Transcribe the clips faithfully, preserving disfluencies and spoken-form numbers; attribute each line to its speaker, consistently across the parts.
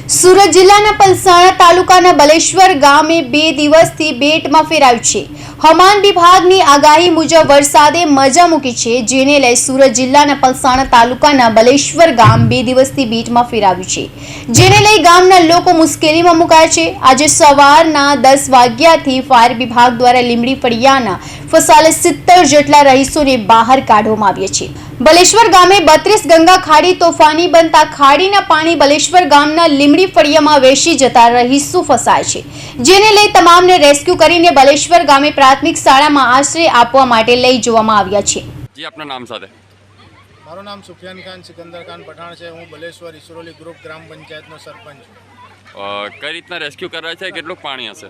Speaker 1: સુરત જિલ્લાના પલસાણા તાલુકાના બલેશ્વર ગામે બે દિવસથી બેટમાં ફેરાયું છે। હવામાન વિભાગની આગાહી મુજબ વરસાદે મજા મૂકી છે, જેને લઈ સુરત જિલ્લાના પલસાણા તાલુકાના બલેશ્વર ગામ બે દિવસથી બેટમાં ફેરાયું છે, જેને લઈ ગામના લોકો મુશ્કેલીમાં મુકાયા છે। આજે સવારના દસ વાગ્યાથી ફાયર વિભાગ દ્વારા લીંબડી ફળિયાના ફસાલે સિત્તેર જેટલા રહીશોને બહાર કાઢવામાં આવ્યા છે। બલેશ્વર ગામે બત્રીસ ગંગા ખાડી તોફાની બનતા ખાડીના પાણી બલેશ્વર ગામના લીંબડી ફળિયામાં વેસી જતા રહીશો ફસાય છે, જેને લઈ તમામને રેસ્ક્યુ કરીને બલેશ્વર ગામે પ્રાથમિક શાળામાં આશ્રય આપવા માટે લઈ જવામાં આવ્યા છે।
Speaker 2: જી આપના નામ સાથે?
Speaker 3: મારું નામ સુફિયાન ખાન સિકંદર ખાન પઠાણ છે। હું બલેશ્વર ઈસરોલી ગ્રુપ ગ્રામ પંચાયતનો સરપંચ છું।
Speaker 2: કઈ રીતના રેસ્ક્યુ કરાય છે? કેટલું પાણી હશે?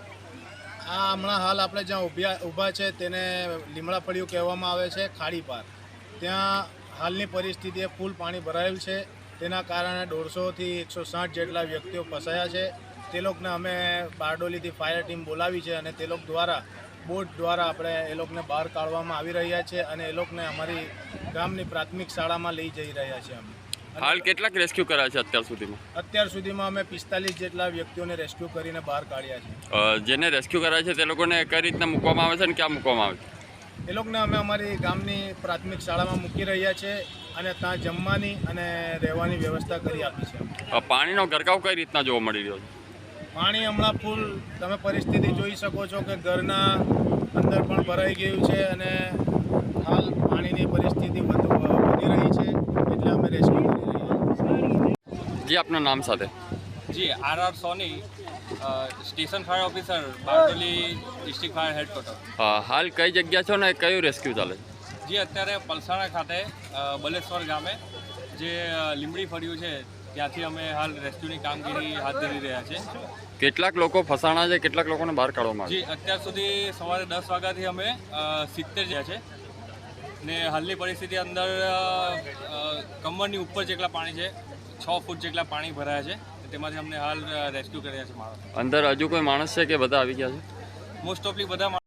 Speaker 3: આ હમણાં હાલ આપણે જ્યાં ઊભા ઊભા છે તેને લીમડા ફળિયું કહેવામાં આવે છે। ખાડી પાર ત્યાં હાલની પરિસ્થિતિએ ફૂલ પાણી ભરાયેલ છે, તેના કારણે દોઢસોથી એકસો સાઠ જેટલા વ્યક્તિઓ ફસાયા છે। તે લોકોને અમે બારડોલીથી ફાયર ટીમ બોલાવી છે અને તે લોકો દ્વારા બોટ દ્વારા આપણે એ લોકોને બહાર કાઢવામાં આવી રહ્યા છે અને એ લોકોને અમારી ગામની પ્રાથમિક શાળામાં લઈ જઈ રહ્યા છે। અમે
Speaker 2: હાલ કેટલાક રેસ્ક્યુ કરાયા છે અત્યાર સુધીમાં?
Speaker 3: અત્યાર સુધીમાં અમે પિસ્તાલીસ જેટલા વ્યક્તિઓને રેસ્ક્યુ કરીને બહાર કાઢ્યા છે।
Speaker 2: જેને રેસ્ક્યુ કરાય છે તે લોકોને કઈ રીતના મૂકવામાં આવે છે અને ક્યાં મૂકવામાં આવે છે?
Speaker 3: એ લોકોને અમે અમારી ગામની પ્રાથમિક શાળામાં મૂકી રહ્યા છે અને ત્યાં જમવાની અને રહેવાની વ્યવસ્થા કરી આપી છે।
Speaker 2: પાણીનો ગરકાવ કઈ રીતના જોવા મળી રહ્યો છે?
Speaker 3: પાણી હમણાં ફૂલ તમે પરિસ્થિતિ જોઈ શકો છો કે ઘરના અંદર પણ ભરાઈ ગયું છે અને હાલ પાણીની પરિસ્થિતિ વધુ વધી રહી છે, એટલે અમે રેસ્ક્યુ કરી રહ્યા છીએ।
Speaker 2: જી આપના નામ સાથે?
Speaker 4: જી R R Soni, station fire officer, Bardoli district fire headquarter.
Speaker 2: હાલ કઈ જગ્યા છો ને કયું રેસ્ક્યુ ચાલે છે?
Speaker 4: જે અત્યારે પલસાણા ખાતે બલેશ્વર ગામે જે લીંબડી ફળિયું છે ત્યાંથી અમે હાલ રેસ્ક્યુની કામગીરી હાથ ધરી રહ્યા છે।
Speaker 2: કેટલાક લોકો ફસાણા છે, કેટલાક લોકોને બહાર કાઢવામાં આવે?
Speaker 4: જી અત્યાર સુધી સવારે દસ વાગ્યાથી અમે સિત્તેર જ્યાં છે ને હાલની પરિસ્થિતિ અંદર કમરની ઉપર જેટલા પાણી છે, છ ફૂટ જેટલા પાણી ભરાયા છે, તેમાંથી અમને હાલ રેસ્ક્યુ કર્યા છે। માણસ
Speaker 2: અંદર હજુ કોઈ માણસ છે કે બધા આવી ગયા છે?
Speaker 4: મોસ્ટ ઓફલી બધા